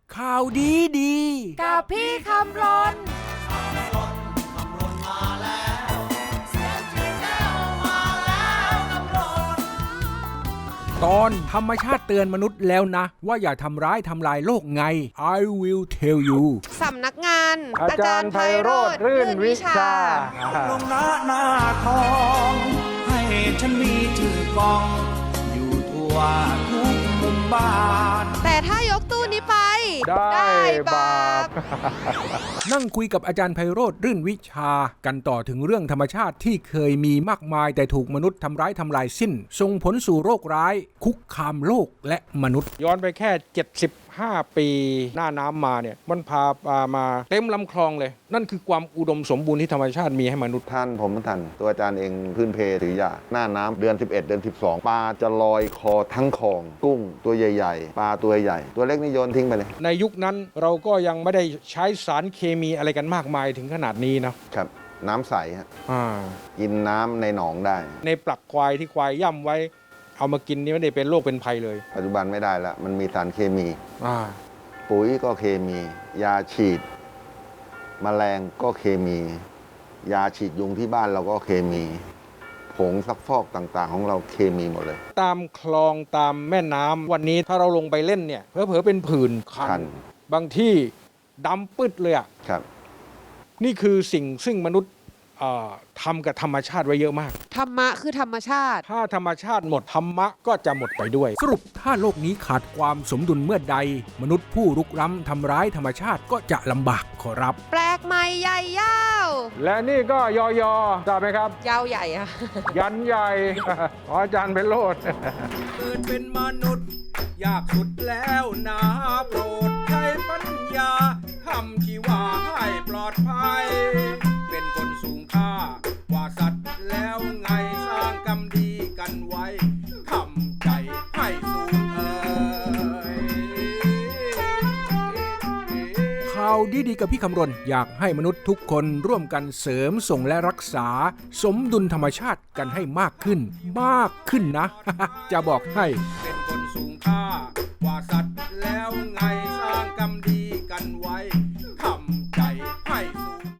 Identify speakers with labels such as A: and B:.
A: ข่าวดีดี
B: กับพี่คำรน
A: ตอนธรรมชาติเตือนมนุษย์แล้วนะว่าอย่าทำร้ายทำลายโลกไง I will tell you
B: สำนักงาน
C: อาจารย์ไพโรจน์รื่นวิชา
D: ลงหน้าทองให้ฉันมีชื่อกองอยู่ทั่วทุกมุมบ้าน
B: แต่ถ้ายกตู้นี้ไป
C: ได้บาป
A: นั่งคุยกับอาจารย์ไพโรจน์รื่นวิชากันต่อถึงเรื่องธรรมชาติที่เคยมีมากมายแต่ถูกมนุษย์ทำร้ายทำลายสิ้นส่งผลสู่โรคร้ายคุกคามโลกและมนุษย์
C: ย้อนไปแค่75 ปีหน้าน้ำมาเนี่ยมันพาปลามาเต็มลำคลองเลยนั่นคือความอุดมสมบูรณ์ที่ธรรมชาติมีให้มนุษย์
E: ท่านผมท่านตัวอาจารย์เองพื้นเพถือยาหน้าน้ำเดือน 11 เดือน 12 ปลาจะลอยคอทั้งคลองกุ้งตัวใหญ่ๆปลาตัวใหญ่ตัวเล็กนี่โยนทิ้งไปเลย
C: ในยุคนั้นเราก็ยังไม่ได้ใช้สารเคมีอะไรกันมากมายถึงขนาดนี้นะครับ
E: น้ำใสฮะ
C: อ่า
E: กินน้ำในหนองได้
C: ในปลักควายที่ควายย่ำไว้เอามากินนี่ไม่ได้เป็นโรคเป็นภัยเลย
E: ปัจจุบันไม่ได้แล้วมันมีสารเคมี
C: อ่า
E: ปุ๋ยก็เคมี ยาฉีดแมลงก็เคมี ยาฉีดยุงที่บ้านเราก็เคมีผงซักฟอกต่างๆ ของเราเคมีหมดเลย
C: ตามคลองตามแม่น้ำวันนี้ถ้าเราลงไปเล่นเนี่ยเผลอๆเป็นผื่นคั
E: คั
C: น
E: น
C: บางที่ดำปึ๊ดเลยอ่ะ
E: ครับ
C: นี่คือสิ่งซึ่งมนุษย์ทำกับธรรมชาติไว้เยอะมาก
B: ธรรมะคือธรรมชาติ
C: ถ้าธรรมชาติหมดธรรมะก็จะหมดไปด้วย
A: สรุปถ้าโลกนี้ขาดความสมดุลเมื่อใดมนุษย์ผู้รุกล้ำทำร้ายธรรมชาติก็จะลำบากขอรับ
B: แปลกใหม่ใหญ่ยาว
C: และนี่ก็ยอยอทราบไหมครับ
B: ยาวใหญ่อะ
C: ยันใหญ่ ขออาจารย์เป็นโลด
A: เกิดเป็นมนุษย์ยากสุดแล้วนะโปรดใช้ปัญญาทำที่ว่าให้ปลอดภัย เป็นคนสูงค่ากว่าสัตว์แล้วไงสร้างกรรมดีกันไว้ทำใจให้สูงข่าวดีๆกับพี่คำรณอยากให้มนุษย์ทุกคนร่วมกันเสริมส่งและรักษา สมดุลธรรมชาติกันให้มากขึ้นนะ จะบอกให้เป็นคนสูงค่ากว่าสัตว์